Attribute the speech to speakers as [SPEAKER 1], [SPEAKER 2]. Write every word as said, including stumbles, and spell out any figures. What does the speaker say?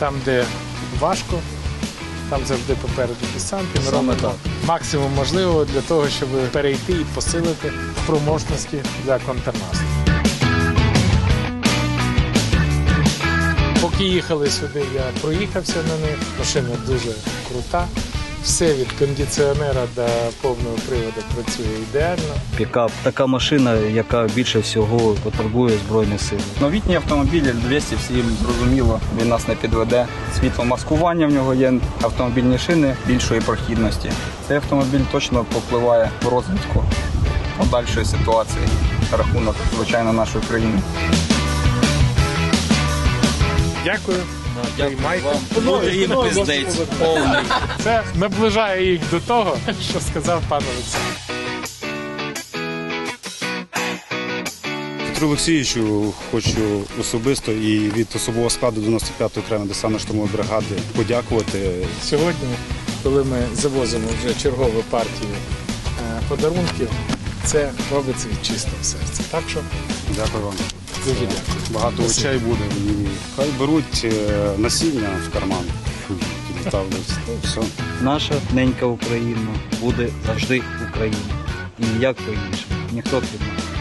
[SPEAKER 1] Там, де важко, там завжди попереду десант. Ми робимо максимум можливого для того, щоб перейти і посилити спроможності для контрнаступу. Поки їхали сюди, я проїхався на них. Машина дуже крута. Все від кондиціонера до повного приводу працює ідеально.
[SPEAKER 2] Пікап – така машина, яка більше всього потребує Збройних сил.
[SPEAKER 3] Новітній автомобіль Ель двісті, всім зрозуміло, він нас не підведе. Світломаскування в нього є, автомобільні шини більшої прохідності. Цей автомобіль точно попливає в розвитку подальшої ситуації за рахунок, звичайно, нашої країни.
[SPEAKER 1] Дякую. Приймайте.
[SPEAKER 2] Їм пиздець повний.
[SPEAKER 1] Це наближає їх до того, що сказав пан Олександр.
[SPEAKER 4] Петру Олексійовичу хочу особисто і від особового складу дев'яносто п'ятої окремої десантно-штурмової бригади подякувати.
[SPEAKER 1] Сьогодні, коли ми завозимо вже чергову партію подарунків, це робиться від чистого серця. Так що
[SPEAKER 4] Дякую вам.
[SPEAKER 1] дуже дякую.
[SPEAKER 4] Багато очей буде. І хай беруть насіння в карман. Все.
[SPEAKER 2] Наша ненька Україна буде завжди Україна. І ніяк по-іншому. Ніхто під нас.